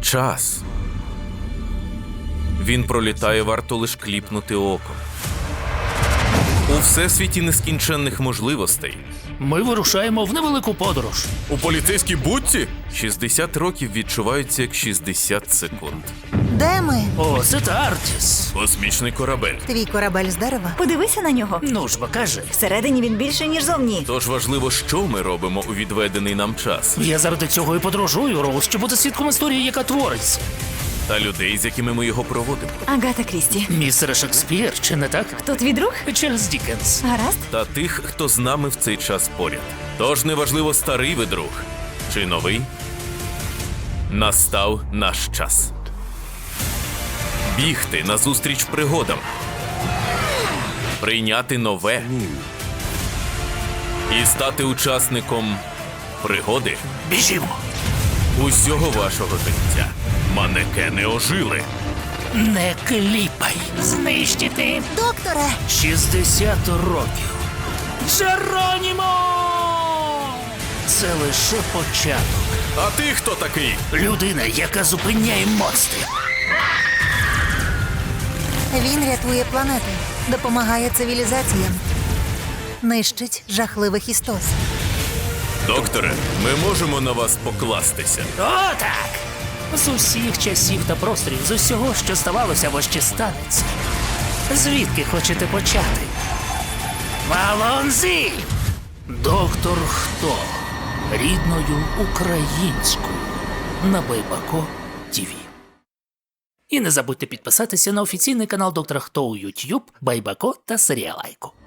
Час. Він пролітає, варто лиш кліпнути оком. У всесвіті нескінченних можливостей. Ми вирушаємо в невелику подорож. У поліцейській будці 60 років відчуваються як 60 секунд. Де ми? О, це та Артіс. Космічний корабель. Твій корабель з дерева? Подивися на нього. Ну ж бо кажи. Всередині він більше, ніж зовні. Тож важливо, що ми робимо у відведений нам час. Я заради цього і подорожую, Роуз, щоб бути свідком історії, яка твориться. Та людей, з якими ми його проводимо. Агата Крісті. Містер Шекспір, чи не так? Хто твій друг? Чарльз Діккенс. Гаразд? Та тих, хто з нами в цей час поряд. Тож неважливо, старий ви друг чи новий. Настав наш час. Бігти назустріч пригодам. Прийняти нове. І стати учасником пригоди Біжімо. усього вашого життя. Манекени ожили. Не кліпай. Знищити. Докторе! 60 років. Джеронімо! Це лише початок. А ти хто такий? Людина, яка зупиняє монстрів. Він рятує планети, допомагає цивілізаціям, нищить жахливих істот. Докторе, ми можемо на вас покластися. О, так! З усіх часів та просторів, з усього, що ставалося або ще станеться. Звідки хочете почати? Валонзі! Доктор Хто? Рідною українською. На Байбако ТВ. І не забудьте підписатися на офіційний канал Доктора Хто у YouTube, Байбако та Серіалайко.